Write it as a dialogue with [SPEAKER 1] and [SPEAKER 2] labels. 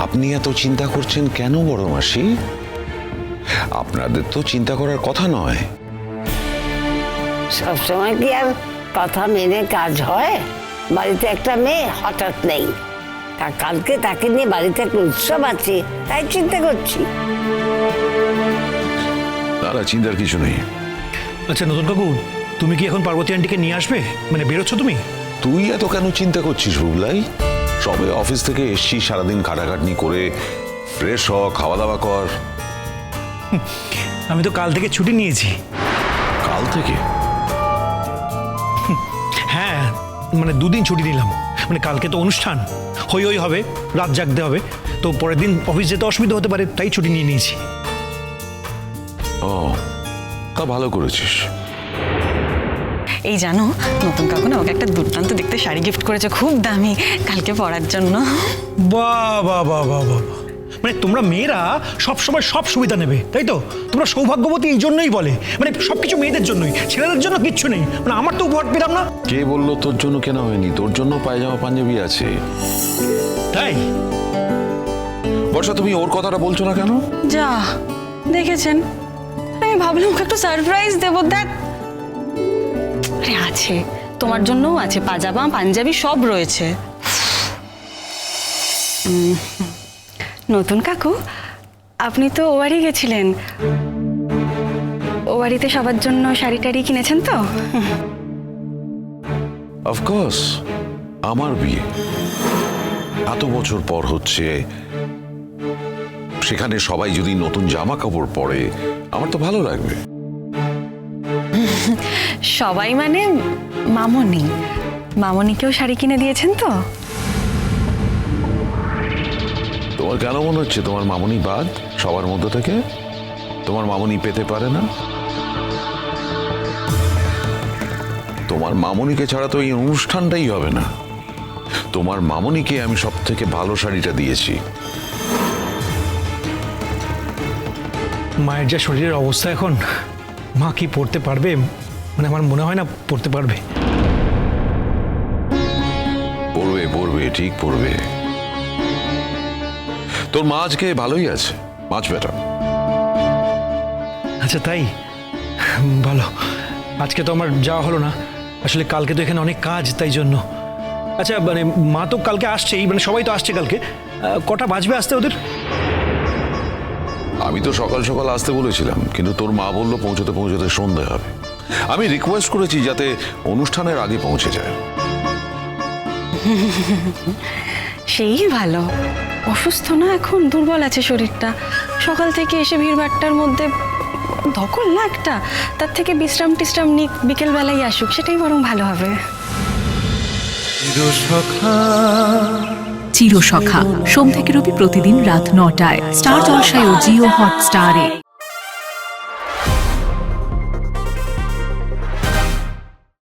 [SPEAKER 1] আপনি এত চিন্তা করছেন কেন বড় মাসি? আপনাদের তো চিন্তা করার কথা নয়।
[SPEAKER 2] সবসময় কি আর কথা মেনে কাজ হয়? বাড়িতে একটা মেয়ে হঠাৎ নেই, কালকে তাকে নিয়ে বাড়িতে একটা উৎসব আছে, তাই চিন্তা করছি।
[SPEAKER 1] তারা চিন্তার কিছু নেই।
[SPEAKER 3] আচ্ছা নতুন কাকু, তুমি কি এখন পার্বতী আন্টিকে নিয়ে আসবে? মানে বেরোচ্ছ তুমি?
[SPEAKER 1] তুই এত কেন চিন্তা করছিস রুবলাই? সবে অফিস থেকে এসছি, সারাদিন খাটাখাটনি করে ফ্রেশ হ, খাওয়া দাওয়া কর।
[SPEAKER 3] আমি তো কাল থেকে ছুটি নিয়েছি।
[SPEAKER 1] কাল থেকে?
[SPEAKER 3] হ্যাঁ, মানে 2 দিন ছুটি নিলাম। মানে কালকে তো অনুষ্ঠান, হই হই হবে, রাত জাগতে হবে, তো পরের দিন অফিস যেতে অসুবিধা হতে পারে, তাই ছুটি নিয়ে নিয়েছি।
[SPEAKER 1] ও, তা ভালো করেছিস।
[SPEAKER 4] এই জানো, নতুন কাকু না ওকে একটা দুর্দান্ত দেখতে শাড়ি গিফট করেছে, খুব দামি, কালকে পরার জন্য।
[SPEAKER 3] বাহ বাহ বাহ বাহ বাহ! মানে তোমরা মেয়েরা সব সময় সব সুবিধা নেবে, তাই তো? তোমরা সৌভাগ্যবতী এই জন্যই বলে, মানে সবকিছু মেয়েদের জন্যই, ছেলেদের জন্য কিচ্ছু নেই। মানে আমার তো উপহার পেলাম না।
[SPEAKER 1] কে বললো তোর জন্য কেনা হয়নি? তোর জন্য পায়জামা পাঞ্জাবি আছে।
[SPEAKER 3] তাই?
[SPEAKER 1] বর্ষা, তুমি ওর কথাটা বলছো না কেন?
[SPEAKER 4] যা দেখেছেন, আমি ভাবলাম ওকে একটু সারপ্রাইজ দেবো। দেখ, আরে আছে, তোমার জন্যও আছে, পাজামা পাঞ্জাবি সব রয়েছে। নতুন কাকু, আপনি তো ও বাড়ি গেছিলেন, ও বাড়িতে সবার জন্য শাড়ি টাড়ি কিনেছেন তো?
[SPEAKER 1] অফকোর্স, আমার বিয়ে এত বছর পর হচ্ছে, সেখানে সবাই যদি নতুন জামা কাপড় পরে আমার তো ভালো লাগবে।
[SPEAKER 4] সবাই মানে মামনি, মামনিকেও শাড়ি কিনে দিয়েছেন তো?
[SPEAKER 1] তোমার কেন মনে হচ্ছে তোমার মামনি বাদ সবার মধ্য থেকে? তোমার মামনি পেতে পারে না? তোমার মামনিকে ছাড়া তো এই অনুষ্ঠানটাই হবে না। তোমার মামনিকে আমি সব থেকে ভালো শাড়িটা দিয়েছি।
[SPEAKER 3] মায়ের যা শরীরের অবস্থা এখন, মা কি পড়তে পারবে? মানে আমার মনে হয় না পড়তে পারবে।
[SPEAKER 1] পড়বে পড়বে, ঠিক পড়বে। তোর মা আজকে ভালোই আছে, মাছ বেটা।
[SPEAKER 3] আচ্ছা তাই? ভালো। আজকে তো আমার যাওয়া হলো না, আসলে কালকে তো এখানে অনেক কাজ, তাই জন্য। আচ্ছা মানে মা তো কালকে আসছেই, মানে সবাই তো আসছে কালকে, কটা বাজবে আসতে ওদের?
[SPEAKER 1] আমি তো সকাল সকাল আসতে বলেছিলাম, কিন্তু তোর মা বললো পৌঁছতে পৌঁছতে সন্ধে হবে। আমি রিকোয়েস্ট করেছি যাতে অনুষ্ঠানের আগে পৌঁছে যায়।
[SPEAKER 4] সেই ভালো। অসুস্থ না এখন, দুর্বল আছে শরীরটা, সকাল থেকে এসে ভিড়ভাট্টার মধ্যে ধকল না একটা, তার থেকে বিশ্রাম টিশ্রাম নিক, বিকেল বেলায় আসুক, সেটাই বরং ভালো হবে।
[SPEAKER 5] চিরসখা সোম থেকে রবি প্রতিদিন রাত 9টায় স্টার জলসায় ও জিও হটস্টারে।